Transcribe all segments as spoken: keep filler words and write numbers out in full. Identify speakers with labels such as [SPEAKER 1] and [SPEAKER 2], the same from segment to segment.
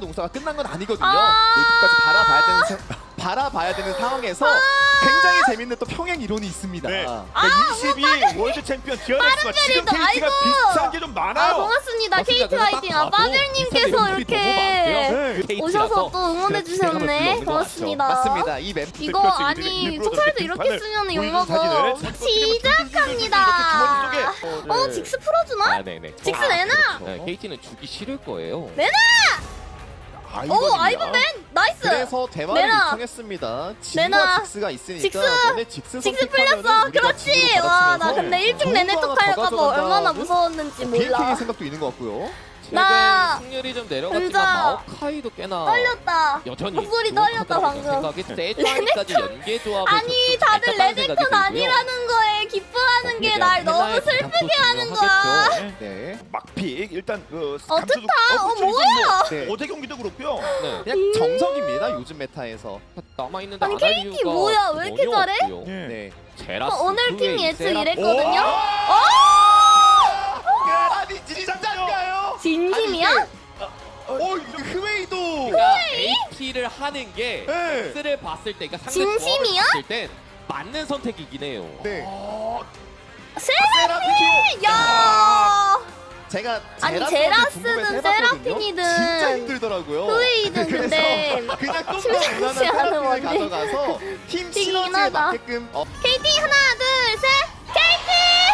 [SPEAKER 1] 용서가 끝난 건 아니거든요.
[SPEAKER 2] 아
[SPEAKER 1] 여기까지 바라봐야 되는 사, 바라봐야 되는 상황에서
[SPEAKER 2] 아
[SPEAKER 1] 굉장히 재밌는 또 평행 이론이 있습니다.
[SPEAKER 3] 네.
[SPEAKER 2] 아,
[SPEAKER 3] 그러니까 이십이 월드 챔피언 디어넥스와 지금
[SPEAKER 2] 빠른
[SPEAKER 3] 케이티가
[SPEAKER 2] 아이고.
[SPEAKER 3] 비슷한 게 좀 많아요.
[SPEAKER 2] 아 고맙습니다.
[SPEAKER 1] 맞습니다.
[SPEAKER 2] 케이티
[SPEAKER 1] 그래서
[SPEAKER 2] 화이팅.
[SPEAKER 1] 딱
[SPEAKER 2] 아
[SPEAKER 1] 봐도
[SPEAKER 2] 빠들님께서
[SPEAKER 1] 비슷한
[SPEAKER 2] 이렇게
[SPEAKER 1] 멤버들이
[SPEAKER 2] 오셔서 또 응원해 주셨네.
[SPEAKER 1] 맞습니다.
[SPEAKER 2] 고맙습니다.
[SPEAKER 1] 이 멤버
[SPEAKER 2] 이거
[SPEAKER 3] 그렇죠.
[SPEAKER 2] 아니
[SPEAKER 3] 일부러
[SPEAKER 2] 촉살도
[SPEAKER 3] 저렇게
[SPEAKER 2] 이렇게
[SPEAKER 3] 등판을
[SPEAKER 2] 쓰면
[SPEAKER 3] 보여주는
[SPEAKER 2] 욕먹어.
[SPEAKER 3] 사진을
[SPEAKER 2] 시작합니다.
[SPEAKER 3] 이렇게 주머니 속에.
[SPEAKER 2] 어 직스 풀어주나?
[SPEAKER 4] 아, 네네.
[SPEAKER 2] 직스
[SPEAKER 4] 아,
[SPEAKER 2] 내놔.
[SPEAKER 4] 그렇죠. 네, 케이티는 주기 싫을 거예요.
[SPEAKER 2] 내놔. 오 아이번맨 나이스.
[SPEAKER 1] 그래서 대화를
[SPEAKER 2] 내놔.
[SPEAKER 1] 요청했습니다.
[SPEAKER 2] 내놔.
[SPEAKER 1] 진과 직스가 있으니까
[SPEAKER 2] 직스.
[SPEAKER 1] 너네 직스
[SPEAKER 2] 직스
[SPEAKER 1] 선택하면은
[SPEAKER 2] 풀렸어.
[SPEAKER 1] 우리가
[SPEAKER 2] 그렇지.
[SPEAKER 1] 진으로
[SPEAKER 2] 와 나
[SPEAKER 1] 받아치면서
[SPEAKER 2] 근데 일찍
[SPEAKER 1] 좋은
[SPEAKER 2] 내내
[SPEAKER 1] 거
[SPEAKER 2] 뚝
[SPEAKER 1] 하나 더
[SPEAKER 2] 할까봐
[SPEAKER 1] 가져간다는
[SPEAKER 2] 얼마나 무서웠는지
[SPEAKER 1] 비행기의
[SPEAKER 2] 몰라.
[SPEAKER 1] 생각도 있는 것 같고요.
[SPEAKER 2] 나
[SPEAKER 4] 최근 승률이 좀 내려갔지만
[SPEAKER 2] 혼자
[SPEAKER 4] 마오카이도 꽤나
[SPEAKER 2] 떨렸다.
[SPEAKER 4] 여전히
[SPEAKER 2] 목소리
[SPEAKER 4] 부족하다고
[SPEAKER 2] 떨렸다, 방금.
[SPEAKER 4] 생각이 세트까지 연계 조합을
[SPEAKER 2] 아니
[SPEAKER 4] 좀
[SPEAKER 2] 다들
[SPEAKER 4] 잘 짰다는
[SPEAKER 2] 레드톤
[SPEAKER 4] 생각이 들고요.
[SPEAKER 2] 아니라는 거에 기뻐하는 게 날 너무
[SPEAKER 4] 헤나의
[SPEAKER 2] 슬프게
[SPEAKER 4] 부탁도
[SPEAKER 2] 하는 거야.
[SPEAKER 4] 중요하겠죠.
[SPEAKER 1] 네.
[SPEAKER 3] 막픽 일단 그
[SPEAKER 2] 어
[SPEAKER 3] 감수도-
[SPEAKER 2] 뜻다. 어
[SPEAKER 3] 그렇죠. 이건
[SPEAKER 2] 뭐야?
[SPEAKER 1] 네.
[SPEAKER 3] 뭐 어제 경기도 그렇고요.
[SPEAKER 4] 네.
[SPEAKER 1] 그냥 정석입니다. 요즘 메타에서.
[SPEAKER 4] 남아 있는데
[SPEAKER 2] 아니,
[SPEAKER 4] 안 할
[SPEAKER 2] 케이티
[SPEAKER 4] 이유가
[SPEAKER 2] 뭐야? 왜 이렇게
[SPEAKER 4] 전혀
[SPEAKER 2] 잘해?
[SPEAKER 4] 없고요.
[SPEAKER 3] 예.
[SPEAKER 1] 네.
[SPEAKER 4] 제라스
[SPEAKER 2] 어, 오늘 팀
[SPEAKER 4] 후에
[SPEAKER 2] 예측
[SPEAKER 4] 세라-
[SPEAKER 2] 이랬거든요.
[SPEAKER 3] 오!
[SPEAKER 2] 어?
[SPEAKER 1] 아니 진짜인가요?
[SPEAKER 2] 진심이야?
[SPEAKER 1] 어, 이거 흐웨이도.
[SPEAKER 4] 그러니까 에이티를 하는 게
[SPEAKER 1] 네.
[SPEAKER 4] X를 봤을 때, 그러니까 상대
[SPEAKER 2] 진심이야?
[SPEAKER 4] 조합을 봤을 땐 맞는 선택이긴 해요.
[SPEAKER 1] 네.
[SPEAKER 3] 어,
[SPEAKER 2] 세라핀! 야!
[SPEAKER 1] 제가
[SPEAKER 2] 아니,
[SPEAKER 1] 제라스한테
[SPEAKER 2] 제라스든
[SPEAKER 1] 궁금해서 해봤거든요.
[SPEAKER 2] 세라핀이든
[SPEAKER 1] 진짜 힘들더라고요.
[SPEAKER 2] 후웨이든 근데
[SPEAKER 1] 그래서 그냥 또
[SPEAKER 2] 심상치
[SPEAKER 1] 무난한
[SPEAKER 2] 않은
[SPEAKER 1] 세라핀을
[SPEAKER 2] 원딜.
[SPEAKER 1] 가져가서 팀
[SPEAKER 2] 뛰긴
[SPEAKER 1] 시너지에
[SPEAKER 2] 하다.
[SPEAKER 1] 맞게끔 어,
[SPEAKER 2] 케이티 하나 둘 셋! 케이티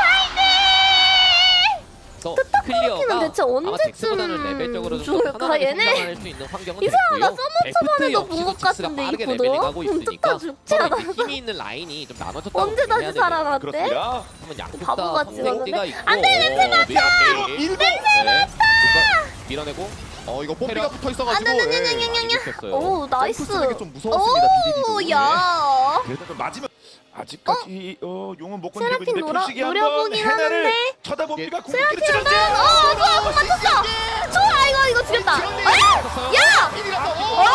[SPEAKER 4] 그래서 클리어가
[SPEAKER 2] 대체
[SPEAKER 4] 아마
[SPEAKER 2] 언제쯤
[SPEAKER 4] 잭스보다는 레벨적으로 좀
[SPEAKER 2] 죽을까,
[SPEAKER 4] 더 편안하게
[SPEAKER 2] 얘네?
[SPEAKER 4] 성장할 수 있는 환경은
[SPEAKER 2] 이상하다.
[SPEAKER 4] 됐고요.
[SPEAKER 2] 서머 초반에도
[SPEAKER 4] 데프트
[SPEAKER 2] 본 것
[SPEAKER 4] 역시도 잭스가
[SPEAKER 2] 같은데,
[SPEAKER 4] 빠르게
[SPEAKER 2] 이거도?
[SPEAKER 4] 레벨링하고 있으니까
[SPEAKER 2] 뚝딱 죽지
[SPEAKER 4] 서로
[SPEAKER 2] 않아?
[SPEAKER 4] 이렇게 힘이 있는 라인이 좀 나눠졌다고
[SPEAKER 2] 언제 다시
[SPEAKER 4] 보셔야 돼요.
[SPEAKER 2] 살아났대?
[SPEAKER 3] 그렇습니다.
[SPEAKER 4] 한번 양쪽 다
[SPEAKER 2] 바보같이
[SPEAKER 4] 선택지가
[SPEAKER 2] 갔는데?
[SPEAKER 4] 있고
[SPEAKER 2] 안 돼, 냄새 맡아!
[SPEAKER 4] 밀고
[SPEAKER 1] 냄새
[SPEAKER 4] 맡아! 밀어내고
[SPEAKER 1] 어 이거 뽀삐가
[SPEAKER 4] 테러.
[SPEAKER 1] 붙어
[SPEAKER 2] 안
[SPEAKER 1] 있어가지고
[SPEAKER 2] 돼, 안 돼,
[SPEAKER 1] 예.
[SPEAKER 2] 안 돼, 안 돼, 안 돼.
[SPEAKER 4] 이겼어요.
[SPEAKER 2] 오 나이스.
[SPEAKER 1] 점프 쓰는 게 좀 무서웠습니다,
[SPEAKER 2] 오
[SPEAKER 1] 비디디도.
[SPEAKER 2] 야.
[SPEAKER 3] 그래도 좀 맞으면 아직까지 어, 용은 못 건드리고
[SPEAKER 2] 세라핀
[SPEAKER 3] 있는데
[SPEAKER 2] 노려-
[SPEAKER 3] 표식이 한번
[SPEAKER 2] 노려보긴
[SPEAKER 3] 헤나를
[SPEAKER 2] 하는데.
[SPEAKER 3] 쳐다봅니다.
[SPEAKER 2] 세라핀은
[SPEAKER 3] 궁극기를 찔렀지.
[SPEAKER 2] 어 좋아 공 맞췄어. 좋아 이거 이거 죽였다. 에? 야!
[SPEAKER 1] 비디디가 또
[SPEAKER 2] 어?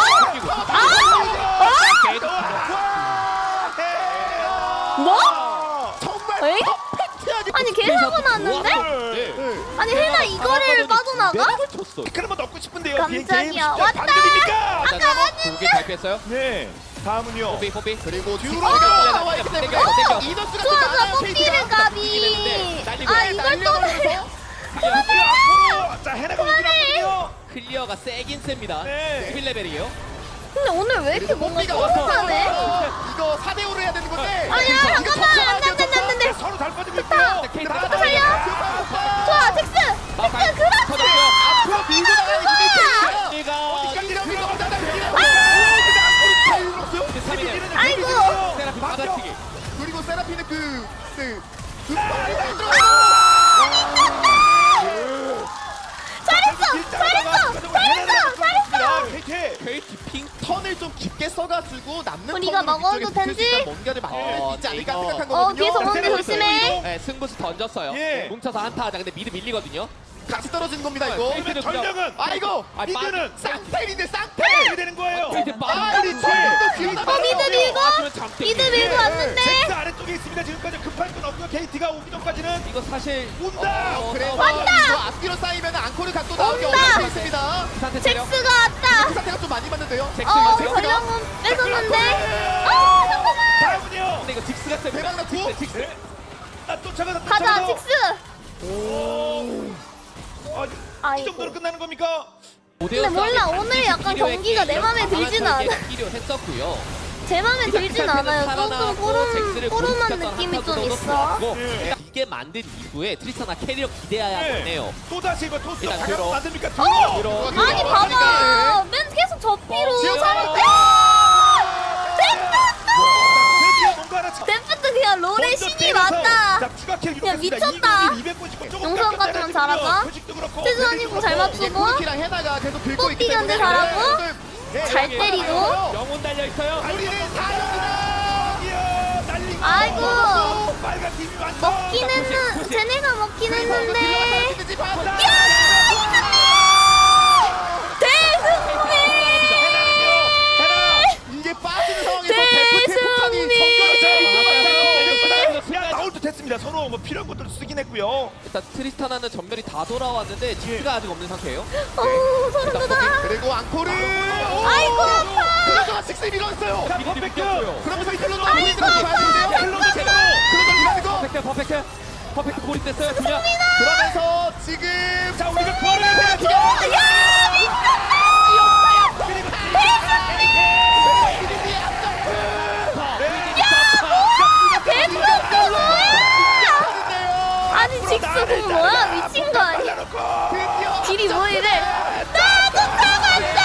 [SPEAKER 2] 뭐?
[SPEAKER 1] 정말
[SPEAKER 2] 에이?
[SPEAKER 1] 퍼펙트하게
[SPEAKER 2] 아니 개 사고 났는데?
[SPEAKER 3] 네.
[SPEAKER 1] 네.
[SPEAKER 2] 아니 해나 이거를 빠져나가?
[SPEAKER 4] 쳤어.
[SPEAKER 3] 그러면 넣고 싶은데요.
[SPEAKER 2] 깜짝이야.
[SPEAKER 3] 비행기
[SPEAKER 2] 왔다.
[SPEAKER 3] 반격입니까?
[SPEAKER 4] 고개 잘 뺐어요.
[SPEAKER 3] 네. 다음은요.
[SPEAKER 4] 뽀삐 뽀삐.
[SPEAKER 1] 그리고
[SPEAKER 3] 듀로가
[SPEAKER 1] 듀로가 나와 있기 때문에
[SPEAKER 4] 땡겨, 땡겨.
[SPEAKER 1] 이더스가
[SPEAKER 2] 좋아 좋아
[SPEAKER 1] 많아요,
[SPEAKER 2] 뽀삐를
[SPEAKER 1] 케이티가.
[SPEAKER 2] 까비.
[SPEAKER 4] 날리고
[SPEAKER 2] 아 이걸 또
[SPEAKER 1] 날려버려서
[SPEAKER 3] 앞으로. 자, 헤나가 오긴 하거든요.
[SPEAKER 4] 클리어가 세긴 셉니다.
[SPEAKER 3] 네.
[SPEAKER 4] 일 레벨이에요.
[SPEAKER 2] 근데 오늘 왜 이렇게 뭔가
[SPEAKER 1] 뽀삐가 와서
[SPEAKER 2] 뻔하네?
[SPEAKER 1] 이거 사 대 오로 해야 되는 건데
[SPEAKER 2] 아니야
[SPEAKER 1] 이거
[SPEAKER 2] 잠깐만 안돼 안돼 안돼 안돼.
[SPEAKER 3] 네, 서로 잘 빠지고 있고요.
[SPEAKER 4] 케이트가
[SPEAKER 2] 또 살려. 좋아 잭스.
[SPEAKER 4] 마우카이
[SPEAKER 2] 잭스 그렇지.
[SPEAKER 1] 앞으로 밀고 나가는 힘이
[SPEAKER 4] 리가
[SPEAKER 1] 어디까지 갑니까?
[SPEAKER 2] 아이고.
[SPEAKER 4] 세라핀 받아치기.
[SPEAKER 1] 그리고 세라핀은 그 그 그
[SPEAKER 3] 잘했어. 잘했어. 잘했어. 잘했어. 케이티.
[SPEAKER 4] 케이티 핑
[SPEAKER 1] 턴을 좀 깊게 써가지고 남는
[SPEAKER 2] 우리가
[SPEAKER 1] 턴으로
[SPEAKER 2] 먹어도
[SPEAKER 1] 위쪽에 붙을 수
[SPEAKER 2] 된지?
[SPEAKER 1] 있는 뭔가를 만들 수 있지 않을까
[SPEAKER 4] 이거-
[SPEAKER 1] 생각한
[SPEAKER 2] 어
[SPEAKER 1] 거거든요.
[SPEAKER 2] 뒤에서 오는 데
[SPEAKER 3] 세라핀
[SPEAKER 2] 조심해.
[SPEAKER 4] 네, 승부수 던졌어요.
[SPEAKER 3] 예.
[SPEAKER 4] 뭉쳐서 한타 하자. 근데 미드 밀리거든요.
[SPEAKER 1] 같이 떨어지는 겁니다 이거.
[SPEAKER 4] 케이티는
[SPEAKER 3] 전령은
[SPEAKER 1] 아 이거
[SPEAKER 4] 아,
[SPEAKER 1] 미드는
[SPEAKER 4] 빠-
[SPEAKER 1] 쌍텔인데 쌍텔.
[SPEAKER 3] 어떻게 되는 거예요?
[SPEAKER 4] 케이티
[SPEAKER 1] 아
[SPEAKER 4] 빠르게
[SPEAKER 1] 우리 저희도 뒤에다
[SPEAKER 2] 어 미드 밀고
[SPEAKER 4] 맞으면 잠들.
[SPEAKER 2] 미드 밀고 왔는데.
[SPEAKER 3] 잭스 아래쪽에 있습니다. 지금까지 급할 건 없고요. 케이티가 오기 전까지는
[SPEAKER 4] 이거 사실
[SPEAKER 3] 온다.
[SPEAKER 4] 어,
[SPEAKER 1] 그래서
[SPEAKER 2] 왔다!
[SPEAKER 1] 이거 앞뒤로 쌓이면 앙코르 각도 나오기
[SPEAKER 2] 온다!
[SPEAKER 1] 어려울 수 있습니다.
[SPEAKER 4] 상태 체력.
[SPEAKER 2] 잭스가 왔다.
[SPEAKER 1] 그 상태가 좀 많이 맞는데요.
[SPEAKER 4] 잭스
[SPEAKER 2] 어
[SPEAKER 4] 이거
[SPEAKER 2] 전령은 뺏었는데. 아 잠깐만.
[SPEAKER 3] 다음은요.
[SPEAKER 4] 근데 이거 직스가 셉니다.
[SPEAKER 1] 대박 났고.
[SPEAKER 4] 직스.
[SPEAKER 3] 네. 나 쫓아가다
[SPEAKER 2] 가자
[SPEAKER 3] 쫓아가다.
[SPEAKER 2] 잭스.
[SPEAKER 3] 오. 아, 이
[SPEAKER 2] 아이고.
[SPEAKER 3] 정도로 끝나는 겁니까?
[SPEAKER 2] 근데 몰라, 오늘 약간 경기가 내 맘에 들진 않아.
[SPEAKER 4] 필요했었고요.
[SPEAKER 2] 제 맘에 들진 않아요. 조금
[SPEAKER 4] 잭스를
[SPEAKER 2] 꼬름 꼬름한
[SPEAKER 4] 고립시켰던
[SPEAKER 2] 느낌이 좀
[SPEAKER 4] 한타도
[SPEAKER 2] 있어.
[SPEAKER 4] 좋았고,
[SPEAKER 3] 네.
[SPEAKER 4] 일단 이게 만든 이후에 트리스타나 캐리어 기대해야겠네요.
[SPEAKER 3] 또 다시 이거 토스
[SPEAKER 4] 일단
[SPEAKER 3] 바로
[SPEAKER 4] 들어.
[SPEAKER 3] 만듭니까?
[SPEAKER 2] 어?
[SPEAKER 3] 들어.
[SPEAKER 4] 들어.
[SPEAKER 2] 아니
[SPEAKER 1] 들어.
[SPEAKER 2] 봐봐. 맨 계속 접기로
[SPEAKER 1] 지금
[SPEAKER 2] 살았.
[SPEAKER 3] 드디어 뭔가 하나 쳐-
[SPEAKER 2] 데프트 그냥 롤의
[SPEAKER 3] 먼저
[SPEAKER 2] 신이
[SPEAKER 3] 때려서
[SPEAKER 2] 맞다.
[SPEAKER 3] 자, 추가 킬
[SPEAKER 2] 그냥
[SPEAKER 3] 기록했습니다.
[SPEAKER 2] 미쳤다.
[SPEAKER 3] 이백구십구 조금
[SPEAKER 2] 용서까지만
[SPEAKER 3] 깎았잖아요,
[SPEAKER 2] 잘하자.
[SPEAKER 3] 표식도 그렇고,
[SPEAKER 2] 최준환
[SPEAKER 3] 데뷔도
[SPEAKER 2] 이공 잘
[SPEAKER 3] 그렇고.
[SPEAKER 2] 맞추고.
[SPEAKER 1] 코르키랑 헤나가 계속 긁고 있기
[SPEAKER 2] 뽀삐 견제
[SPEAKER 1] 때문에
[SPEAKER 2] 잘하고.
[SPEAKER 1] 네,
[SPEAKER 2] 잘
[SPEAKER 1] 네,
[SPEAKER 2] 때리고.
[SPEAKER 4] 영혼 달려 있어요.
[SPEAKER 1] 우리는 사령이다.
[SPEAKER 3] 이야, 날리고.
[SPEAKER 2] 아이고.
[SPEAKER 3] 빨간 팀이 완성.
[SPEAKER 2] 먹긴 했는 쟤네가 먹긴 했는데.
[SPEAKER 1] 야!
[SPEAKER 2] 대승리.
[SPEAKER 1] 이게 빠지는 상황에서 데프트 폭탄이
[SPEAKER 2] 대승리.
[SPEAKER 1] 전멸을
[SPEAKER 3] 야, 나올 듯 했습니다. 서로 쪽으로 뭐 필요한 것들 쓰긴 했고요.
[SPEAKER 4] 일단 트리스타나는 전멸이 다 돌아왔는데 지크가 아직 없는 상태예요.
[SPEAKER 2] 어우 소름 돋아.
[SPEAKER 1] 그리고 앙코르.
[SPEAKER 2] 아이고 아파.
[SPEAKER 1] 그러다가 식스 밀었어요.
[SPEAKER 3] 자,
[SPEAKER 4] 미리
[SPEAKER 3] 퍼펙트.
[SPEAKER 4] 비겼어요.
[SPEAKER 1] 그러면서 이틀로
[SPEAKER 2] 아이고,
[SPEAKER 1] 넘어가는데요.
[SPEAKER 3] 힐러도 제대로.
[SPEAKER 1] 그러다 밀어내고
[SPEAKER 4] 퍼펙트 퍼펙트 퍼펙트 고립됐어요. 그냥
[SPEAKER 1] 그러면서 지금
[SPEAKER 3] 자, 우리가 구원을 해야 돼.
[SPEAKER 2] 야 미쳤다. 대박이다 뭐야? 아니 직수 공 뭐야? 미친 거 아니야?
[SPEAKER 1] 드디어
[SPEAKER 2] 딜이 뭐 이래? 나도 잡았다.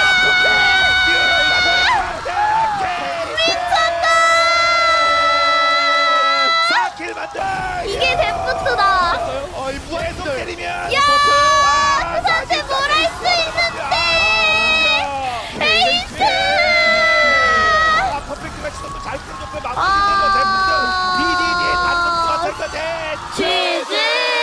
[SPEAKER 3] 사 킬 만다.
[SPEAKER 2] 이게 데프트다.
[SPEAKER 1] 어이
[SPEAKER 3] 계속
[SPEAKER 1] 무한들
[SPEAKER 3] 때리면
[SPEAKER 2] 야 부산테 뭘 할 수 있는데? 에이스.
[SPEAKER 3] 아, 퍼펙트가 시도도 잘 끌어줬고 마무리
[SPEAKER 2] 아.
[SPEAKER 3] 데프트 비디디 단독 같을
[SPEAKER 2] 지지.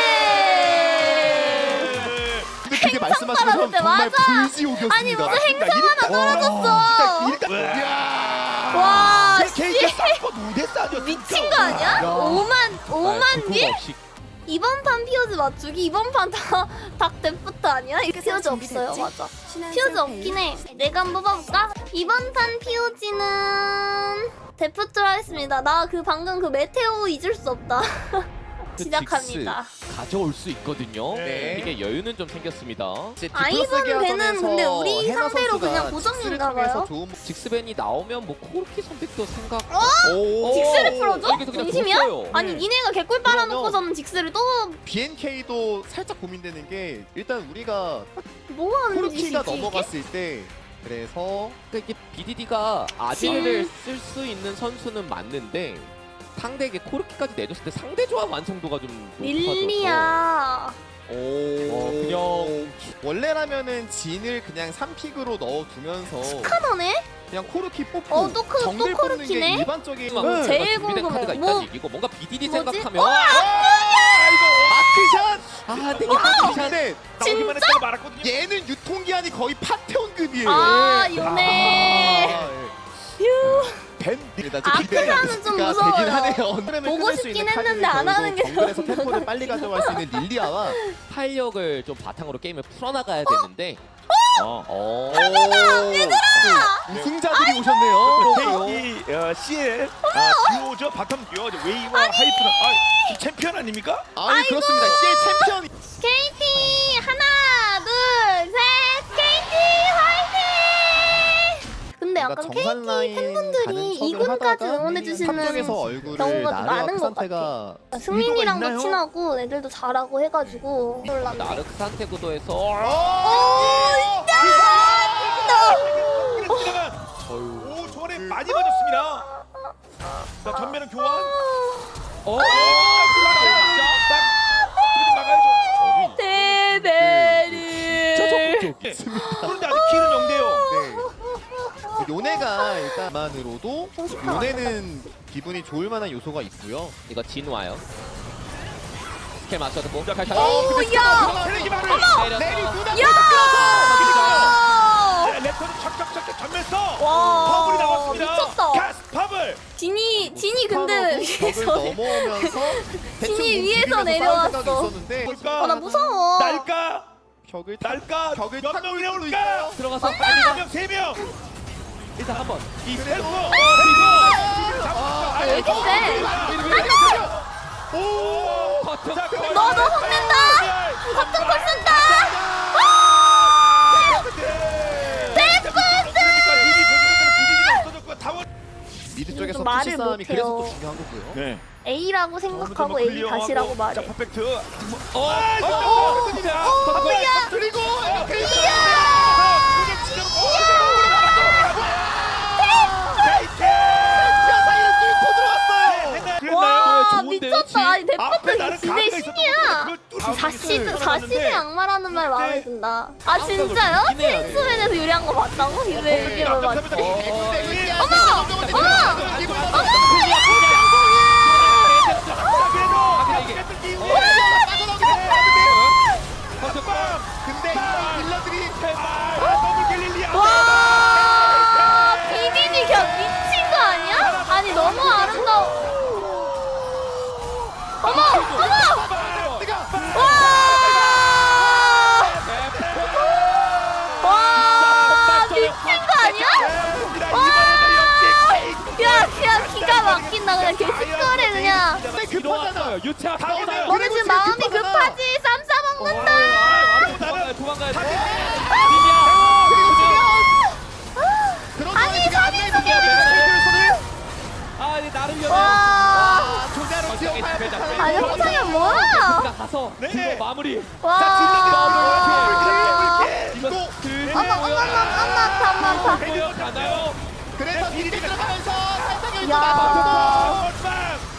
[SPEAKER 1] 근데 그게 말씀하신 것처럼
[SPEAKER 2] 떨어졌대,
[SPEAKER 1] 정말
[SPEAKER 2] 맞아.
[SPEAKER 1] 불지옥이었습니다.
[SPEAKER 2] 아니 무슨 행성 하나 떨어졌어.
[SPEAKER 3] 일단
[SPEAKER 2] 와
[SPEAKER 3] 케이크
[SPEAKER 2] 씨.
[SPEAKER 3] 쌓고 무대 싸죠.
[SPEAKER 2] 미친 거 아니야? 오만 오만 개?
[SPEAKER 4] 없이
[SPEAKER 2] 이번 판 피오즈 맞추기 이번 판다닭 데프트 아니야? 피오즈 없어요 맞아. 피오즈 없긴 해. 내가 한번 뽑아볼까? 이번 판 피오지는 데프트로 하겠습니다. 나 그 방금 그 메테오 잊을 수 없다. 시작합니다.
[SPEAKER 4] 직스 가져올 수 있거든요.
[SPEAKER 3] 네.
[SPEAKER 4] 이게 여유는 좀 생겼습니다.
[SPEAKER 1] 이제
[SPEAKER 2] 아이번
[SPEAKER 1] 디플러스
[SPEAKER 2] 배는
[SPEAKER 1] 계약전에서
[SPEAKER 2] 근데 우리
[SPEAKER 1] 헤나
[SPEAKER 2] 상대로
[SPEAKER 1] 선수가
[SPEAKER 2] 그냥 고정인가
[SPEAKER 1] 직스를 통해서
[SPEAKER 2] 봐요.
[SPEAKER 1] 좋은
[SPEAKER 4] 직스벤이 나오면 뭐 코르키 선택도 생각.
[SPEAKER 1] 오.
[SPEAKER 2] 직스를 풀어줘?
[SPEAKER 4] 여기서 그냥
[SPEAKER 2] 진심이야?
[SPEAKER 4] 줬어요.
[SPEAKER 2] 아니
[SPEAKER 1] 네.
[SPEAKER 2] 니네가 개꿀 빨아놓고서는 직스를 또
[SPEAKER 1] 비엔케이도 살짝 고민되는 게 일단 우리가
[SPEAKER 2] 뭐 하는
[SPEAKER 1] 코르키가
[SPEAKER 2] 짓이지 이게?
[SPEAKER 1] 넘어갔을 때 그래서
[SPEAKER 4] 그러니까 이게 비디디가 아지르를 쓸 수 있는 선수는 맞는데 상대에게 코르키까지 내줬을 때 상대 조합 완성도가 좀 높아져서
[SPEAKER 2] 릴리야.
[SPEAKER 1] 오
[SPEAKER 4] 어, 그냥
[SPEAKER 1] 원래라면은 진을 그냥 삼 픽으로 넣어두면서
[SPEAKER 2] 카더네?
[SPEAKER 1] 그냥 코르키 뽑고
[SPEAKER 2] 어, 또 코-
[SPEAKER 1] 정글
[SPEAKER 2] 또
[SPEAKER 1] 뽑는 게
[SPEAKER 2] 코르키네?
[SPEAKER 1] 일반적인
[SPEAKER 4] 막
[SPEAKER 2] 네. 제일
[SPEAKER 4] 준비된
[SPEAKER 2] 궁금해.
[SPEAKER 4] 카드가
[SPEAKER 2] 뭐-
[SPEAKER 4] 있다는 얘기고 뭔가 비디디
[SPEAKER 2] 뭐지?
[SPEAKER 4] 생각하면
[SPEAKER 2] 어,
[SPEAKER 1] 아크샷!
[SPEAKER 4] 아 근데
[SPEAKER 1] 아크샷! 근데
[SPEAKER 3] 나오기만 했다고 말았거든요.
[SPEAKER 1] 얘는 유통기한이 거의 파테온급이에요.
[SPEAKER 2] 아 요네.
[SPEAKER 1] 아, 예.
[SPEAKER 2] 휴.
[SPEAKER 1] 뱀 일단
[SPEAKER 2] 아, 크샤는 좀 무서워요.
[SPEAKER 1] 되긴 하네요.
[SPEAKER 2] 보고 싶긴 했는데 안 하는 게
[SPEAKER 1] 정글에서
[SPEAKER 2] 너무
[SPEAKER 1] 템포를 빨리 가져갈 수 있는 릴리아와
[SPEAKER 4] 탄력을 좀 바탕으로 게임을 풀어나가야 되는데 어? 어.
[SPEAKER 1] 얘들아! 우승자들이 오셨네요.
[SPEAKER 3] 이 어, 씨엘 아, 듀오죠 바텀 듀오 웨이와 하이프는 아, 챔피언 아닙니까?
[SPEAKER 1] 아니 그렇습니다. 씨엘 챔피언
[SPEAKER 2] 케이티 하나 둘 셋 케이티 화이팅! 근데
[SPEAKER 1] 뭔가
[SPEAKER 2] 약간
[SPEAKER 1] 정상
[SPEAKER 2] 케이티
[SPEAKER 1] 라인
[SPEAKER 2] 팬분들이
[SPEAKER 1] 가는
[SPEAKER 2] 이군까지
[SPEAKER 1] 척을
[SPEAKER 2] 응원해
[SPEAKER 1] 하다가
[SPEAKER 2] 주시는
[SPEAKER 1] 탑쪽에서 얼굴을
[SPEAKER 2] 경우가 좀
[SPEAKER 1] 나르와
[SPEAKER 2] 많은 것
[SPEAKER 1] 크산테가
[SPEAKER 2] 승민이랑도
[SPEAKER 3] 있나요?
[SPEAKER 2] 친하고 애들도 잘하고 해가지고 놀랐네.
[SPEAKER 4] 나르크 상태 구도에서
[SPEAKER 1] 오!
[SPEAKER 3] 오 저번에 많이 맞았습니다. 자 전면은 교환.
[SPEAKER 4] 어?
[SPEAKER 3] 막아야죠.
[SPEAKER 2] 대베리.
[SPEAKER 3] 예. 그런데 아직 키는 영대요.
[SPEAKER 1] 네. 요네가 일단 만으로도
[SPEAKER 2] 공식화
[SPEAKER 1] 요네는 기분이 좋을 만한 요소가 있고요.
[SPEAKER 4] 이거 진 와요. 스킬 맞춰두고 칼칼.
[SPEAKER 2] 오, 야!
[SPEAKER 3] 세레기 말을.
[SPEAKER 1] 내리 누나
[SPEAKER 2] 야!
[SPEAKER 3] 랩터는 척척척척 전면 써.
[SPEAKER 2] 와,
[SPEAKER 3] 퍼블이 나왔습니다.
[SPEAKER 2] 미쳤다.
[SPEAKER 3] 가스 퍼블.
[SPEAKER 2] 진이 진이 근데
[SPEAKER 1] 벽을
[SPEAKER 2] 위에서
[SPEAKER 1] 넘어오면서 대충
[SPEAKER 2] 진이
[SPEAKER 1] 뭐
[SPEAKER 2] 위에서
[SPEAKER 1] 비비면서
[SPEAKER 2] 내려왔어.
[SPEAKER 1] 싸울 생각이 있었는데
[SPEAKER 3] 볼까?
[SPEAKER 2] 어, 나 무서워.
[SPEAKER 3] 날까?
[SPEAKER 1] 벽을 타-
[SPEAKER 3] 날까?
[SPEAKER 1] 벽을
[SPEAKER 3] 몇
[SPEAKER 1] 타고
[SPEAKER 3] 명이나
[SPEAKER 1] 수도
[SPEAKER 3] 올까?
[SPEAKER 1] 있어요.
[SPEAKER 4] 들어가서
[SPEAKER 3] 한
[SPEAKER 4] 빨리 가.
[SPEAKER 3] 명, 세 명.
[SPEAKER 4] 일단 한번.
[SPEAKER 3] 이 셀프.
[SPEAKER 1] 아,
[SPEAKER 2] 왜 이렇게 세?
[SPEAKER 3] 오.
[SPEAKER 4] 커튼.
[SPEAKER 3] 자, 그만.
[SPEAKER 2] 너도 혼낸다. 커튼 콜 쓴다.
[SPEAKER 1] 미드 쪽에서
[SPEAKER 2] 좀 말을
[SPEAKER 1] 푸시 싸움이
[SPEAKER 2] 못해요.
[SPEAKER 1] 그래서 또 중요한 거고요.
[SPEAKER 3] 네.
[SPEAKER 2] A라고 생각하고 A 다시라고 말해.
[SPEAKER 3] 자, 퍼펙트.
[SPEAKER 4] 어.
[SPEAKER 3] 어.
[SPEAKER 2] 뭐야?
[SPEAKER 1] 그리고
[SPEAKER 2] 와
[SPEAKER 4] 좋은데요,
[SPEAKER 2] 미쳤다. 아니
[SPEAKER 3] 앞에
[SPEAKER 2] 대포트
[SPEAKER 3] 나는
[SPEAKER 2] 진짜
[SPEAKER 3] 가까이 있었던
[SPEAKER 2] 신이야.
[SPEAKER 3] 것보다 그걸
[SPEAKER 2] 사시드 사시드 양말하는 말 마음에 든다. 아
[SPEAKER 4] 깜짝
[SPEAKER 2] 진짜요?
[SPEAKER 4] 놀랐긴 해요.
[SPEAKER 2] 체인소맨에서 유리한 거 맞다고? 이왜 이걸 맞지?
[SPEAKER 1] 근데 딜러들이
[SPEAKER 2] 와 비비니 그냥 미친 거 아니야? 아니 너무 아름다워. 어머
[SPEAKER 4] 들어왔어요. 유채화
[SPEAKER 3] 다
[SPEAKER 4] 타고
[SPEAKER 3] 오네요.
[SPEAKER 4] 나요.
[SPEAKER 2] 너네 지금 마음이
[SPEAKER 1] 급하잖아.
[SPEAKER 2] 급하지. 쌈 싸먹는다.
[SPEAKER 4] 도망가요. 도망가요.
[SPEAKER 1] 그리고
[SPEAKER 4] 비비야.
[SPEAKER 1] 지금 그런
[SPEAKER 2] 아니,
[SPEAKER 1] 지금
[SPEAKER 2] 사진
[SPEAKER 1] 안나의
[SPEAKER 2] 속에
[SPEAKER 1] 손을
[SPEAKER 4] 아, 이제 나를 려.
[SPEAKER 2] 와.
[SPEAKER 1] 아, 조자로
[SPEAKER 4] 어쩌게
[SPEAKER 1] 지원할
[SPEAKER 4] 집에 잡혀.
[SPEAKER 1] 듯한
[SPEAKER 2] 아니 호성이 뭐야?
[SPEAKER 4] 가 가서
[SPEAKER 3] 네.
[SPEAKER 4] 그거 마무리.
[SPEAKER 2] 와.
[SPEAKER 4] 이거
[SPEAKER 2] 어머
[SPEAKER 4] 그
[SPEAKER 2] 어머 어머 어머 아파 아파 아파.
[SPEAKER 4] 보여 가나요?
[SPEAKER 1] 그래서 미리 들어가면서 살짝 여기서
[SPEAKER 2] 야.
[SPEAKER 1] 맞춰주고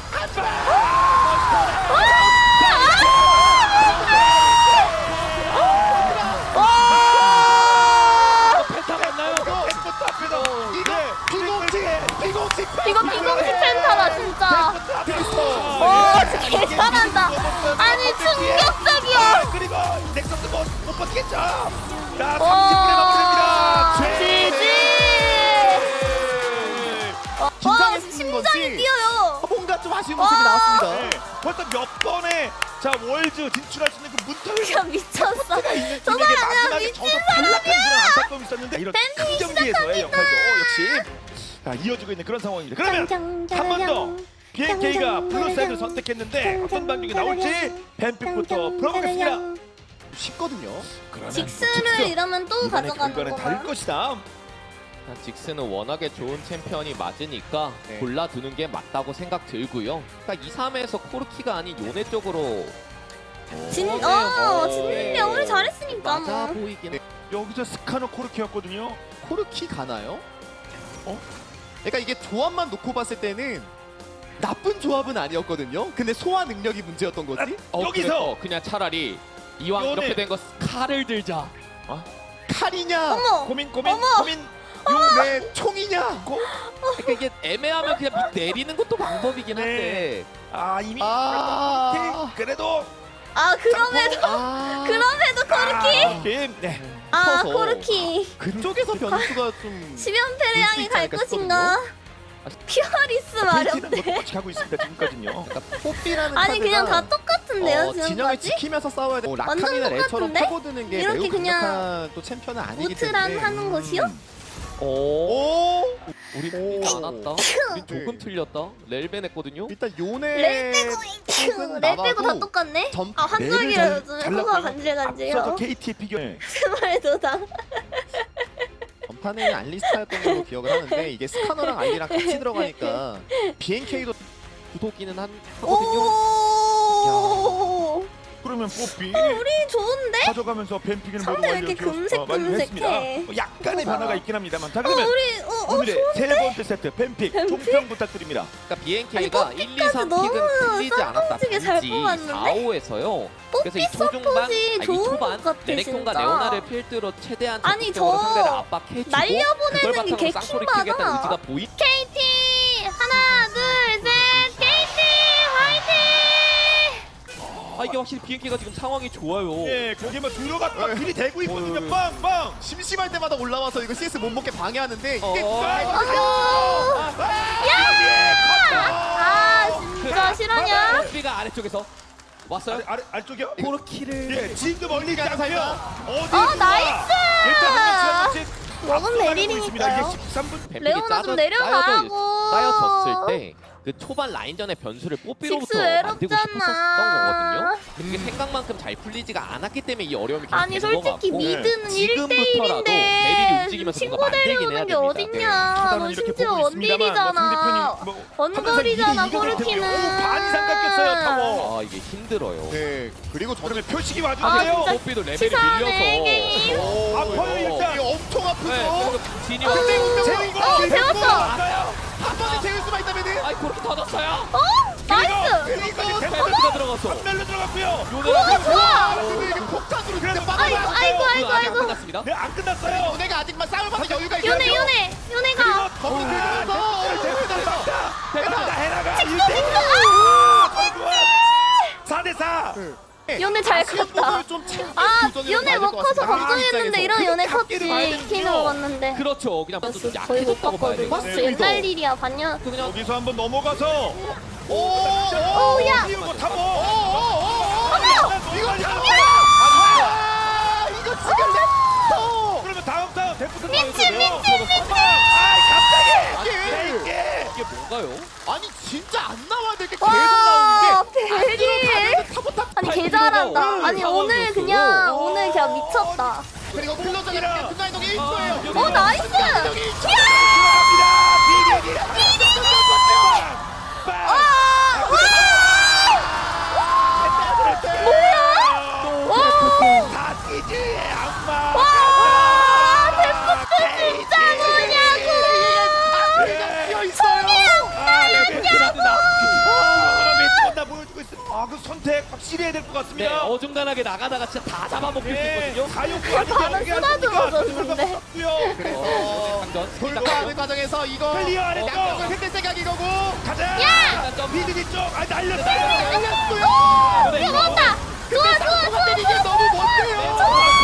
[SPEAKER 4] 펜타 맞나요?
[SPEAKER 1] 비공식 비공식
[SPEAKER 2] 이거 비공식 펜타다 진짜.
[SPEAKER 1] 어,
[SPEAKER 2] 와 진짜 개 잘한다. 아니 충격적이야.
[SPEAKER 3] 그리고 넥서스 못, 못 버티겠죠. 자,
[SPEAKER 2] 와.
[SPEAKER 3] 삼십 분에 마무리됩니다.
[SPEAKER 2] 지지. 와
[SPEAKER 1] 긴장했던
[SPEAKER 2] 심장이
[SPEAKER 1] 건지.
[SPEAKER 2] 뛰어요.
[SPEAKER 1] 뭔가 좀 아쉬운
[SPEAKER 2] 와.
[SPEAKER 1] 모습이 나왔습니다.
[SPEAKER 3] 네, 벌써 몇 번에 자 월즈 진출할 수 있는 그 문턱을
[SPEAKER 2] 진짜 미쳤어. 저
[SPEAKER 3] 팀에게
[SPEAKER 2] 사람 그냥
[SPEAKER 3] 마지막에
[SPEAKER 2] 미친
[SPEAKER 3] 저도 탈락한 그런 안타까움이 있었는데 이런 큰
[SPEAKER 2] 밴딩이
[SPEAKER 3] 경기에서의 역할도 역시 자, 이어지고 있는 그런 상황입니다. 그러면 한 번 더 비엔케이가 블루사이드를 선택했는데 어떤 반격이 나올지 뱀픽부터 풀어보겠습니다.
[SPEAKER 1] 쉽거든요.
[SPEAKER 3] 그러면
[SPEAKER 2] 직스를 이러면 또
[SPEAKER 3] 이번의
[SPEAKER 2] 가져가는
[SPEAKER 3] 결과는 다를
[SPEAKER 2] 거야.
[SPEAKER 3] 것이다.
[SPEAKER 4] 직스는 워낙에 좋은 챔피언이 맞으니까
[SPEAKER 1] 네.
[SPEAKER 4] 골라두는 게 맞다고 생각 들고요. 그러니까 이, 삼에서 코르키가 아닌 요네 쪽으로
[SPEAKER 2] 진,
[SPEAKER 4] 네,
[SPEAKER 2] 어,
[SPEAKER 4] 어,
[SPEAKER 2] 진짜 우리 잘했으니까
[SPEAKER 4] 맞아
[SPEAKER 2] 뭐.
[SPEAKER 4] 보이긴 해.
[SPEAKER 3] 여기서 스카노 코르키였거든요.
[SPEAKER 1] 코르키 가나요? 어? 그러니까 이게 조합만 놓고 봤을 때는 나쁜 조합은 아니었거든요. 근데 소화 능력이 문제였던 거지.
[SPEAKER 4] 어,
[SPEAKER 3] 여기서!
[SPEAKER 4] 그래서 그냥 차라리 이왕
[SPEAKER 3] 요네.
[SPEAKER 4] 이렇게 된 거 칼을 들자.
[SPEAKER 1] 칼이냐?
[SPEAKER 2] 어머.
[SPEAKER 3] 고민 고민
[SPEAKER 2] 어머!
[SPEAKER 3] 고민
[SPEAKER 1] 내 총이냐?
[SPEAKER 4] 그러니까 이게 애매하면 그냥 밑 내리는 것도 방법이긴
[SPEAKER 3] 네.
[SPEAKER 4] 한데.
[SPEAKER 3] 아 이미
[SPEAKER 1] 아.
[SPEAKER 3] 그래도
[SPEAKER 2] 아 그럼에도
[SPEAKER 1] 아.
[SPEAKER 2] 그럼에도 코르키.
[SPEAKER 3] 아, 게임 네.
[SPEAKER 2] 아
[SPEAKER 1] 커서.
[SPEAKER 2] 코르키.
[SPEAKER 1] 그쪽에서 변수가 좀
[SPEAKER 2] 십연패를
[SPEAKER 1] 볼수
[SPEAKER 2] 향해
[SPEAKER 1] 있지
[SPEAKER 2] 갈
[SPEAKER 1] 않을까
[SPEAKER 2] 것인가? 피어리스
[SPEAKER 3] 케이티는
[SPEAKER 2] 마렵네.
[SPEAKER 3] 뭐 똑같이 가고 있습니다 지금까지는요.
[SPEAKER 1] 그러니까 뽀삐라는
[SPEAKER 2] 아니 그냥 다
[SPEAKER 1] 카드가
[SPEAKER 2] 똑같은데요
[SPEAKER 1] 어, 진영을
[SPEAKER 2] 지금까지?
[SPEAKER 1] 지키면서 싸워야 돼. 뭐
[SPEAKER 2] 완전
[SPEAKER 1] 라칸이나 레처럼
[SPEAKER 2] 똑같은데?
[SPEAKER 1] 파고드는 게
[SPEAKER 2] 이렇게
[SPEAKER 1] 매우
[SPEAKER 2] 그냥
[SPEAKER 1] 강력한 또 챔피언은 아니기
[SPEAKER 2] 무트란
[SPEAKER 1] 때문에.
[SPEAKER 2] 하는 것이요?
[SPEAKER 4] 오.
[SPEAKER 1] 오.
[SPEAKER 4] 우리
[SPEAKER 1] 오.
[SPEAKER 4] 틀리지 않았다. 우리 조금
[SPEAKER 1] 네.
[SPEAKER 4] 틀렸다. 렐벤 했거든요.
[SPEAKER 1] 일단 요네
[SPEAKER 2] 렐 빼고
[SPEAKER 1] 쪽은
[SPEAKER 2] 렐 빼고 다
[SPEAKER 1] 나와도
[SPEAKER 2] 똑같네?
[SPEAKER 1] 점-
[SPEAKER 2] 아 한쪽이라
[SPEAKER 3] 렐을
[SPEAKER 2] 요즘에
[SPEAKER 3] 잘-
[SPEAKER 2] 코가
[SPEAKER 3] 잘
[SPEAKER 2] 간질간질해요.
[SPEAKER 3] 앞서서 케이티의 피겨. 네.
[SPEAKER 2] 스말도 다.
[SPEAKER 1] 전판에는 알리스타였던 걸로 기억을 하는데 이게 스카너랑 알리랑 같이 들어가니까 비엔케이도
[SPEAKER 4] 구도기는 한 하거든요.
[SPEAKER 2] 오.
[SPEAKER 3] 그러면 뽀삐
[SPEAKER 2] 우리 좋은데?
[SPEAKER 3] 가져가면서 뱀피기는 모두
[SPEAKER 2] 상대 왜 이렇게
[SPEAKER 3] 완료
[SPEAKER 2] 금색
[SPEAKER 3] 어, 완료했습니다.
[SPEAKER 2] 금색해?
[SPEAKER 3] 뭐 약간의
[SPEAKER 2] 뭐가?
[SPEAKER 3] 변화가 있긴 합니다만 자
[SPEAKER 2] 어
[SPEAKER 3] 그러면
[SPEAKER 2] 우리 어, 어
[SPEAKER 3] 오늘의
[SPEAKER 2] 좋은데?
[SPEAKER 3] 세 번째 세트 뱀픽
[SPEAKER 2] 뱀픽?
[SPEAKER 3] 총평 부탁드립니다.
[SPEAKER 4] 그러니까 비엔케이가
[SPEAKER 2] 아니,
[SPEAKER 4] 일, 이, 삼
[SPEAKER 2] 너무
[SPEAKER 4] 픽은 틀리지 않았다.
[SPEAKER 2] 쌍둥이게 잘
[SPEAKER 4] 단지
[SPEAKER 2] 뽑았는데?
[SPEAKER 4] 사, 오에서요. 그래서 이
[SPEAKER 2] 뽀삐
[SPEAKER 4] 초중반,
[SPEAKER 2] 서폿이
[SPEAKER 4] 아니, 이
[SPEAKER 2] 좋은
[SPEAKER 4] 초반
[SPEAKER 2] 것 같아
[SPEAKER 4] 레넥톤과
[SPEAKER 2] 진짜.
[SPEAKER 4] 레오나를 필두로 최대한
[SPEAKER 2] 아니,
[SPEAKER 4] 적극적으로
[SPEAKER 2] 저
[SPEAKER 4] 상대를 압박해주고
[SPEAKER 2] 날려보내는
[SPEAKER 4] 그걸
[SPEAKER 2] 게
[SPEAKER 4] 바탕으로 쌍소리
[SPEAKER 2] 개킹받아.
[SPEAKER 4] 키겠다는 의지가 보이.
[SPEAKER 2] 케이티 하나 둘셋 케이티 화이팅!
[SPEAKER 4] 아 이게 확실히 비엔케이가 지금 상황이 좋아요.
[SPEAKER 3] 예, 거기에 막 들어갔다
[SPEAKER 1] 네.
[SPEAKER 3] 길이 대고 있거든요.
[SPEAKER 1] 어,
[SPEAKER 3] 빵빵.
[SPEAKER 1] 심심할 때마다 올라와서 이거 씨에스 못 먹게 방해하는데 이게
[SPEAKER 4] 어.
[SPEAKER 2] 아유 아 진짜 실화냐?
[SPEAKER 4] 뽀삐가 아래쪽에서 왔어요.
[SPEAKER 3] 아래 아래 아래쪽이요?
[SPEAKER 4] 코르키를
[SPEAKER 3] 예, 지금 멀리 있지 않고요. 어디?
[SPEAKER 2] 어, 나이스!
[SPEAKER 3] 일단 한 명씩
[SPEAKER 2] 먹은 메릴이니까요.
[SPEAKER 3] 이게 십삼 분.
[SPEAKER 4] 뱀픽이
[SPEAKER 2] 레오나
[SPEAKER 4] 짜져-
[SPEAKER 2] 좀 내려가고.
[SPEAKER 4] 따여져- 따여졌을 때 그 초반 라인전의 변수를 뽀삐로부터
[SPEAKER 2] 직스
[SPEAKER 4] 만들고
[SPEAKER 2] 외롭잖아.
[SPEAKER 4] 싶었었던 거거든요. 근데 그게 생각만큼 잘 풀리지가 않았기 때문에 이 어려움이 계속
[SPEAKER 2] 아니
[SPEAKER 4] 되는 것
[SPEAKER 2] 솔직히
[SPEAKER 4] 같고
[SPEAKER 2] 미드는
[SPEAKER 4] 지금부터라도 베릴이
[SPEAKER 2] 일 대일인데
[SPEAKER 4] 움직이면서
[SPEAKER 2] 친구
[SPEAKER 4] 뭔가 만들긴 해야
[SPEAKER 2] 데려오는 게
[SPEAKER 4] 됩니다.
[SPEAKER 2] 어딨냐?
[SPEAKER 3] 차단은
[SPEAKER 2] 너
[SPEAKER 3] 이렇게
[SPEAKER 2] 심지어
[SPEAKER 3] 보고 있습니다만 뭐
[SPEAKER 2] 원딜이잖아.
[SPEAKER 3] 상대편이 뭐
[SPEAKER 2] 원거리잖아
[SPEAKER 3] 항상 이게 이기게 되고요.
[SPEAKER 2] 코르키는.
[SPEAKER 3] 오, 반 이상 깎였어요 타워.
[SPEAKER 4] 아 이게 힘들어요.
[SPEAKER 1] 네 그리고 저는
[SPEAKER 3] 그러면 표식이
[SPEAKER 2] 아,
[SPEAKER 3] 와주세요.
[SPEAKER 2] 진짜
[SPEAKER 4] 뽀삐도 레벨이
[SPEAKER 2] 치사하네,
[SPEAKER 4] 밀려서
[SPEAKER 2] 게임.
[SPEAKER 1] 오,
[SPEAKER 3] 아파요, 일단.
[SPEAKER 1] 이게 엄청 아프죠.
[SPEAKER 4] 네, 그리고 진이
[SPEAKER 2] 어,
[SPEAKER 1] 근데 운명
[SPEAKER 3] 재능이
[SPEAKER 1] 이거
[SPEAKER 2] 어, 배웠어.
[SPEAKER 1] 한 번에 재울 수만 있다면은
[SPEAKER 4] 아이 코르키 터졌어요.
[SPEAKER 2] 어? 나이스!
[SPEAKER 1] 그리고
[SPEAKER 4] 페널티가 들어갔어.
[SPEAKER 3] 한멜로 들어갔고요.
[SPEAKER 2] 우와 좋아!
[SPEAKER 1] 근데 이게 폭탄으로
[SPEAKER 3] 그래도
[SPEAKER 1] 그냥
[SPEAKER 2] 아이고
[SPEAKER 1] 빠져나갔어요.
[SPEAKER 2] 아이고
[SPEAKER 4] 그
[SPEAKER 2] 아이고
[SPEAKER 4] 아직 안
[SPEAKER 2] 아이고
[SPEAKER 4] 끝났습니다.
[SPEAKER 3] 네, 안 끝났어요.
[SPEAKER 1] 요네가 아직만 싸울 만한 여유가 있어요.
[SPEAKER 2] 요네 요네 요네가
[SPEAKER 1] 거기 들면서
[SPEAKER 3] 해나가 해나가 일 대 사 대 사.
[SPEAKER 2] 요네 잘 컸다.
[SPEAKER 1] 좀
[SPEAKER 2] 아 요네 못 커서 걱정했는데 이런 요네 컸지. 키는 먹었는데.
[SPEAKER 4] 그렇죠. 그냥 좀
[SPEAKER 2] 거의 못
[SPEAKER 4] 약해졌다고 봐야
[SPEAKER 2] 봤거든.
[SPEAKER 4] 돼요.
[SPEAKER 3] 네,
[SPEAKER 2] 옛날 일이야 반년.
[SPEAKER 4] 그냥
[SPEAKER 3] 여기서 한번 넘어가서
[SPEAKER 1] 오,
[SPEAKER 2] 오, 야.
[SPEAKER 3] 이거 타고.
[SPEAKER 1] 이거 아, 이거 지금 또
[SPEAKER 3] 그러면 다음 다음 데프트
[SPEAKER 2] 미친, 미친, 미친.
[SPEAKER 3] 아, 갑자기
[SPEAKER 1] 이게
[SPEAKER 3] 이게
[SPEAKER 4] 이게 뭔가요?
[SPEAKER 1] 아니 진짜 안 나와야 될 게 계속
[SPEAKER 2] 와
[SPEAKER 1] 나오는 게
[SPEAKER 2] 벨리.
[SPEAKER 1] 타보탑.
[SPEAKER 2] 아니 개 잘한다. 아니 오늘
[SPEAKER 4] 상황이었어요.
[SPEAKER 2] 그냥 오늘 그냥 미쳤다.
[SPEAKER 1] 그리고 클로저가 순간이동 일 초예요.
[SPEAKER 2] 어 나이스.
[SPEAKER 3] 들어갑니다. 비비기라.
[SPEAKER 2] 뭐야?
[SPEAKER 3] 다 뛰지 악마.
[SPEAKER 2] 와 데프트 진짜 뭐냐고.
[SPEAKER 1] 뛰어 있어요.
[SPEAKER 3] 나 보여주고 있어. 아그 선택 확실히 해야 될 것
[SPEAKER 4] 네,
[SPEAKER 3] 같습니다.
[SPEAKER 4] 어중간하게 나가다가 진짜 다 잡아먹힐 수
[SPEAKER 3] 네,
[SPEAKER 4] 있거든요.
[SPEAKER 3] 사육구 아닌데
[SPEAKER 2] 반은
[SPEAKER 3] 어떻게
[SPEAKER 2] 쏟아들어졌는데.
[SPEAKER 1] 그래서
[SPEAKER 4] 강전.
[SPEAKER 1] 돌파하는 과정에서 이거
[SPEAKER 3] 클리어 안 했어.
[SPEAKER 1] 양쪽을 흔들 생각이 거고.
[SPEAKER 3] 가자.
[SPEAKER 4] 일단 점.
[SPEAKER 3] 비디디 쪽. 아 날렸어요.
[SPEAKER 1] 날렸고요.
[SPEAKER 2] 이거 먹었다. 좋아 좋아 좋아
[SPEAKER 1] 근데 이게 너무 못해요.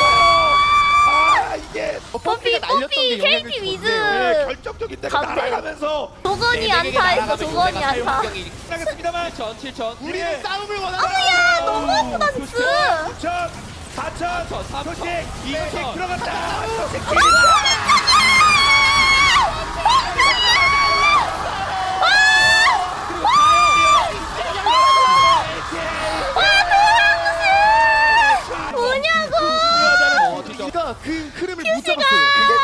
[SPEAKER 3] 아 이게
[SPEAKER 2] 뽀삐 뽀삐 케이티 위즈.
[SPEAKER 3] 네, 결정적인 때가
[SPEAKER 2] 가운데.
[SPEAKER 3] 날아가면서
[SPEAKER 2] 조건이 안타했어 조건이 안타.
[SPEAKER 3] 나겠습니다만
[SPEAKER 4] 칠천, 칠천.
[SPEAKER 1] 우리는 싸움을 원한다.
[SPEAKER 2] 아무야 너무 아프다 스.
[SPEAKER 3] 구천, 사천,
[SPEAKER 4] 삼천,
[SPEAKER 3] 표식,
[SPEAKER 4] 이천.
[SPEAKER 3] 표식 들어갔다. 표식
[SPEAKER 2] 뭐냐고.
[SPEAKER 1] 우리가 그 흐름을 못 잡았어요.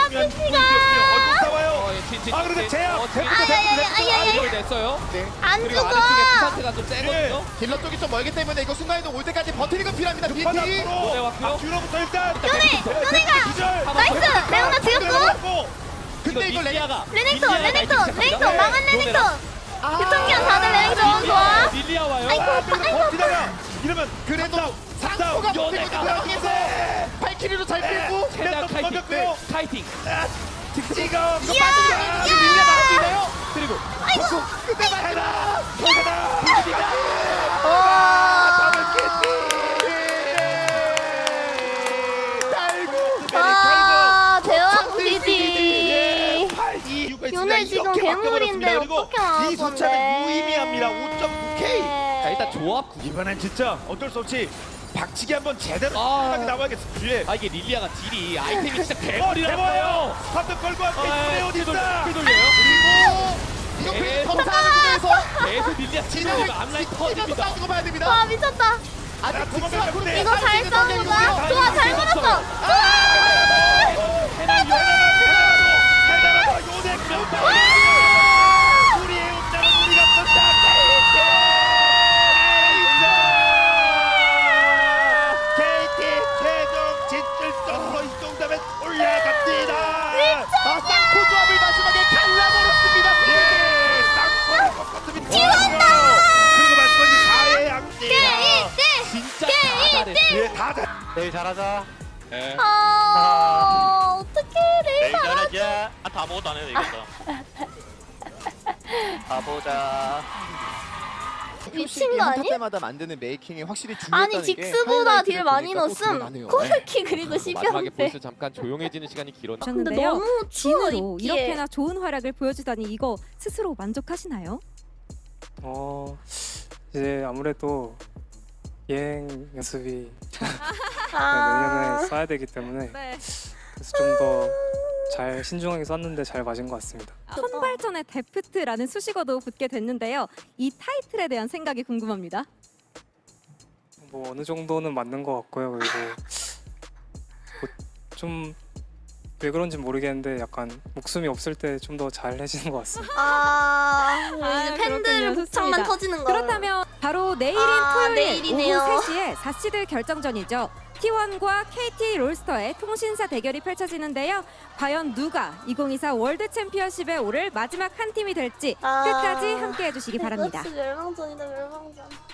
[SPEAKER 3] 싸워요. 아, 그런데 제압!
[SPEAKER 2] 아야야야야야.
[SPEAKER 4] 됐어요.
[SPEAKER 1] 네.
[SPEAKER 2] 안
[SPEAKER 4] 그리고
[SPEAKER 2] 죽어.
[SPEAKER 4] 아래쪽에 키사트가 좀 세거든요.
[SPEAKER 1] 딜러 쪽이 좀 멀기 때문에 이거 순간이동 올 때까지 버티는 건 필요합니다. 비티.
[SPEAKER 4] 노래 왔고요.
[SPEAKER 3] 아, 뒤로부터 일단
[SPEAKER 2] 요네 요네가
[SPEAKER 3] 기절.
[SPEAKER 2] 나이스. 레오나 죽였고.
[SPEAKER 3] 들어갔고.
[SPEAKER 1] 근데 이거 레
[SPEAKER 4] 릴리아가
[SPEAKER 2] 레넥톤 레넥톤 레넥톤 망한 레넥톤. 유통기한 다들 레넥톤 좋아.
[SPEAKER 4] 릴리아 와요.
[SPEAKER 2] 아이고,
[SPEAKER 3] 아, 그래도 버티다가 이러면
[SPEAKER 1] 그래도 상코가 버티고 있는 상황에서 발키리로 잘 빼고
[SPEAKER 4] 최대한
[SPEAKER 3] 또
[SPEAKER 4] 카이팅.
[SPEAKER 3] 넘겼고요.
[SPEAKER 4] 카이팅.
[SPEAKER 3] 직지가
[SPEAKER 2] 이야.
[SPEAKER 1] 아직 밀려 나올 수 있나요?
[SPEAKER 4] 그리고
[SPEAKER 2] 아이고.
[SPEAKER 3] 그때 해라. 저거다. 비비기다.
[SPEAKER 2] 와.
[SPEAKER 3] 더블 캐치. 달고.
[SPEAKER 2] 아 대왕
[SPEAKER 3] 예,
[SPEAKER 2] 비디.
[SPEAKER 3] 팔, 이, 육가 있습니다.
[SPEAKER 2] 요네 지금
[SPEAKER 3] 이렇게
[SPEAKER 2] 괴물인데
[SPEAKER 3] 바뀌어버렸습니다. 그리고
[SPEAKER 2] 어떻게 나올
[SPEAKER 3] 이
[SPEAKER 2] 건데.
[SPEAKER 3] 숫자는 무의미합니다. 오 점 구 케이.
[SPEAKER 4] 자, 일단 조합 구.
[SPEAKER 3] 이번엔 진짜 어쩔 수 없이 박치기 한번 제대로
[SPEAKER 4] 아.
[SPEAKER 3] 하게 나와야겠어. 뒤에.
[SPEAKER 4] 아 이게 릴리아가 딜이 아이템이 진짜
[SPEAKER 3] 어,
[SPEAKER 4] 개머리라서.
[SPEAKER 3] 대박이에요. 한번 걸고 왔고
[SPEAKER 4] 아,
[SPEAKER 3] 어디
[SPEAKER 4] 딜
[SPEAKER 3] 있다.
[SPEAKER 4] 돌- 딜 돌려요.
[SPEAKER 1] 그리고 이거
[SPEAKER 4] 네.
[SPEAKER 1] 그 검사하는 구도에서
[SPEAKER 4] 계속 릴리아
[SPEAKER 1] 진영을
[SPEAKER 4] 치고 앞라인
[SPEAKER 1] 찢어서
[SPEAKER 4] 터집니다.
[SPEAKER 1] 싸우고 봐야 됩니다.
[SPEAKER 2] 와 미쳤다.
[SPEAKER 1] 아직
[SPEAKER 3] 도망가,
[SPEAKER 1] 직수와
[SPEAKER 3] 도망가.
[SPEAKER 1] 구름이
[SPEAKER 2] 이거 잘
[SPEAKER 1] 싸우고
[SPEAKER 2] 싸우는
[SPEAKER 1] 있는
[SPEAKER 2] 거야?
[SPEAKER 1] 상황이고요.
[SPEAKER 2] 좋아 잘 끊었어. 좋아.
[SPEAKER 3] 해나요. 해나라고 요네 명당. 우리의 운명은 우리가 본다. 케이티 최종 진출점으로 이 정도면 올라갑니다.
[SPEAKER 1] 아, 쌍코 조합을 마지막에 갈라버렸습니다.
[SPEAKER 3] 예, 쌍코를 꺾었습니다. 그리고 말씀하신 사회 양띠야.
[SPEAKER 4] 진짜 다 잘했어.
[SPEAKER 3] 예, 다 잘.
[SPEAKER 5] 내일 잘하자.
[SPEAKER 4] 네.
[SPEAKER 2] 아 어떡해
[SPEAKER 5] 내일
[SPEAKER 2] 레이사.
[SPEAKER 5] 잘하자. 아, 다 아무것도 안 해도 이겼다. 가보자.
[SPEAKER 2] 미친 거 아니?
[SPEAKER 1] 때마다 만드는 메이킹이 확실히 중요하다는
[SPEAKER 2] 아니
[SPEAKER 1] 게
[SPEAKER 2] 직스보다
[SPEAKER 1] 하이라이트를
[SPEAKER 2] 딜 많이
[SPEAKER 1] 보니까 또
[SPEAKER 2] 넣었음.
[SPEAKER 1] 드러나네요.
[SPEAKER 2] 코르키 그리고
[SPEAKER 4] 마지막에
[SPEAKER 2] 십연패.
[SPEAKER 4] 벌써 잠깐 조용해지는 시간이 길었나?
[SPEAKER 2] 근데
[SPEAKER 6] 하셨는데요.
[SPEAKER 2] 너무 추워
[SPEAKER 6] 진으로
[SPEAKER 2] 입기에.
[SPEAKER 6] 이렇게나 좋은 활약을 보여주다니 이거 스스로 만족하시나요?
[SPEAKER 7] 어 이제 아무래도 예행 연습이
[SPEAKER 2] 아.
[SPEAKER 7] 내년에 써야 되기 때문에
[SPEAKER 6] 네.
[SPEAKER 7] 그래서 좀 더 잘 신중하게 썼는데 잘 맞은 것 같습니다.
[SPEAKER 6] 선발전에 데프트라는 수식어도 붙게 됐는데요. 이 타이틀에 대한 생각이 궁금합니다.
[SPEAKER 7] 뭐 어느 정도는 맞는 것 같고요. 그리고 뭐 좀 왜 그런지 모르겠는데 약간 목숨이 없을 때 좀 더 잘해지는 것 같습니다.
[SPEAKER 2] 아,
[SPEAKER 6] 아,
[SPEAKER 2] 이제 팬들
[SPEAKER 6] 그렇군요.
[SPEAKER 2] 복창만
[SPEAKER 6] 좋습니다.
[SPEAKER 2] 터지는 거.
[SPEAKER 6] 그렇다면 바로 내일인
[SPEAKER 2] 아,
[SPEAKER 6] 토요일
[SPEAKER 2] 내일이네요.
[SPEAKER 6] 오후 세 시에 사 시드 결정전이죠. 티 원과 케이티 롤스터의 통신사 대결이 펼쳐지는데요. 과연 누가 이천이십사 월드 챔피언십에 오를 마지막 한 팀이 될지
[SPEAKER 2] 아.
[SPEAKER 6] 끝까지 함께해 주시기 바랍니다.
[SPEAKER 2] 그렇지 멸망전이다 멸망전.